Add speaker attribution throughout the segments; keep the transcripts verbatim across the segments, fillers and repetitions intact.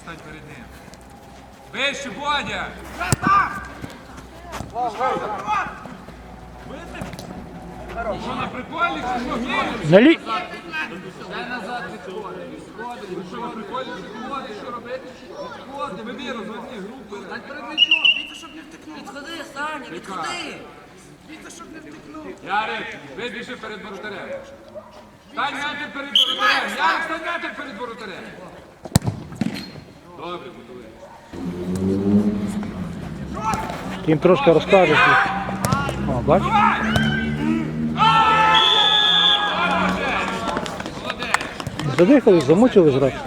Speaker 1: стань перед ним. Вище, Бодя! Що, на приколі, чи що? Ні?
Speaker 2: На лі...
Speaker 1: Дай назад відходи, відходи. Ви що, на приколі, чи відходи, що робити? Відходи, вибір, розвитні групи. Дай перед м'ячом.
Speaker 3: Віця, щоб не втекнув. Відходи, Саня, відходи. Віця, щоб не втекнув.
Speaker 1: Ярик, вибіжи перед воротарем. Стань метр перед воротарем. Ярик, стань метр перед воротарем. Добре, готовий.
Speaker 2: Ти їм трошки розкажеш. О, бачиш? Задихались, замучили зразу.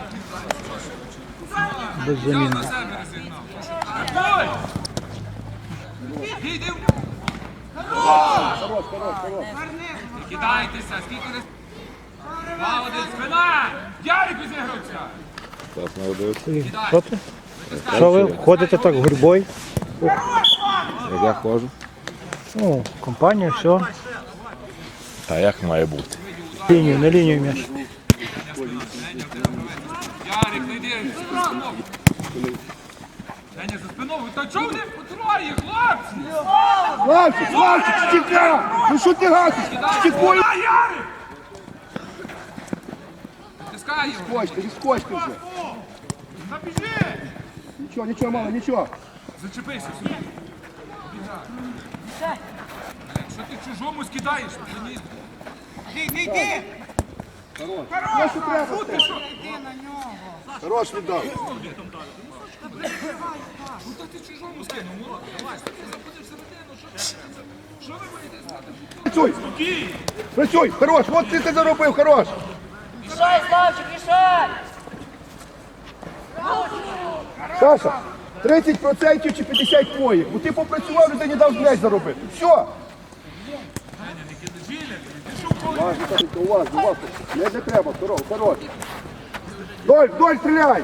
Speaker 2: Без заміни.
Speaker 1: На себе розігнав. Їдем. Не кидайтеся, скільки раз. Молодець, спина! Ярик відігрався.
Speaker 4: Так, молодець.
Speaker 2: І Що ти? Що ви ходите так гурьбою?
Speaker 4: Як я ходжу?
Speaker 2: Ну, компанія, все.
Speaker 4: Та як має бути?
Speaker 2: Лінію, на лінію м'яч.
Speaker 1: Ярик, не йди, за спиною. Деня, за спиною. Та чого вони потроє, хлопці?
Speaker 5: Славчик, Славчик, стіка! Ну що ти гасиш? Стікою!
Speaker 1: Ярик! Тискай його.
Speaker 5: Скочте, відскочте вже. Нічого, нічого, мало, нічого.
Speaker 1: Зачепися сюди. Що ти чужому скидаєш? Мені.
Speaker 3: Йди, йди.
Speaker 5: Хорош, що треба. Хорош віддав.
Speaker 1: Ну то ти чужому скинув, Мурат. Давай, заходи всередину, що ти? Що ви боїтесь знати?
Speaker 5: Працюй! Працюй! Хорош! От ти це заробив, хорош!
Speaker 3: Мішай, Славчик, мішай.
Speaker 5: Саша, тридцять відсотків чи п'ятдесят твоїх. Бо ти попрацював, людині дав м'яч заробити. Все! Уважно, Сашенька, уважно, уважно. Не, не треба, хорош, хорош. Вдоль, вдоль, стріляй!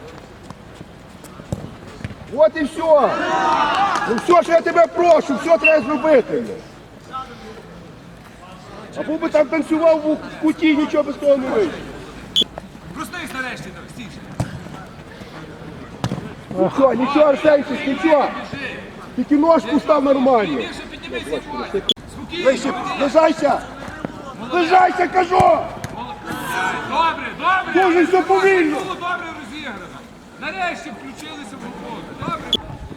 Speaker 5: От і все! Ну все, що я тебе прошу, все треба зробити. Або би там танцював у куті, нічого без того не вийде.
Speaker 1: Проснись нарешті, так, стійся.
Speaker 5: Нічого, нічого, Арсенчик, нічого. Тільки ножку став нормально.
Speaker 1: Більше піднімися, Бодя. Спокійно,
Speaker 5: Вище,
Speaker 1: Бодя.
Speaker 5: лежайся! Лежайся, кажу!
Speaker 1: Добре, добре.
Speaker 5: Дуже все повільно.
Speaker 1: Було добре розіграно. Нарешті включилися в роботу. Добре.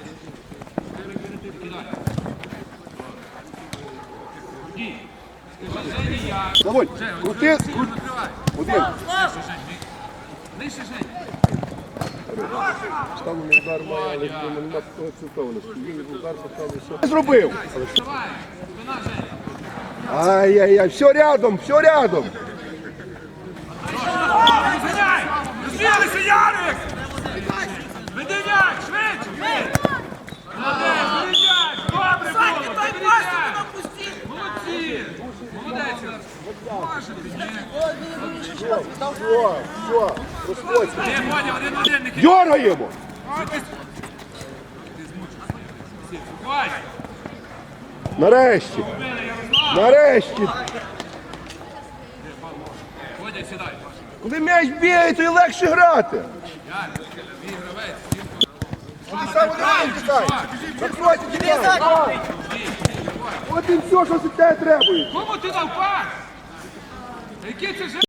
Speaker 1: Кидай. Ні. Скажи, Жені, я.
Speaker 5: Давай,
Speaker 1: Жень,
Speaker 5: крути,
Speaker 1: Олексій,
Speaker 5: крути.
Speaker 1: накривай.
Speaker 5: Один.
Speaker 1: Нижче, Жень. Нижче, Жень.
Speaker 5: Там не удар має, але нема такого цілковності. Він удар поставив, все. Зробив.
Speaker 1: Давай. Спина, Жень.
Speaker 5: Ай-яй-яй, все рядом, все рядом.
Speaker 1: Розганяй! Розвілися, Ярик! Веди м'яч, швидше! Молодець, веди м'яч! Добре було! Веди м'яч! Молодці! Молодець! Може, ти ні.
Speaker 5: Все, все, розходься.
Speaker 1: Ні, Бодя, один в один, не кидай.
Speaker 5: Дьоргаємо.
Speaker 1: Давай!
Speaker 5: Нарешті, нарешті.
Speaker 1: Бодя, сідай.
Speaker 5: Коли м'яч бігає, то і легше грати.
Speaker 1: Ярик, мій гравець.
Speaker 5: Ти сам один тікай. Закройте, тікай. От і все, що від тебе требує.
Speaker 1: Кому ти дав пас? Який це ж...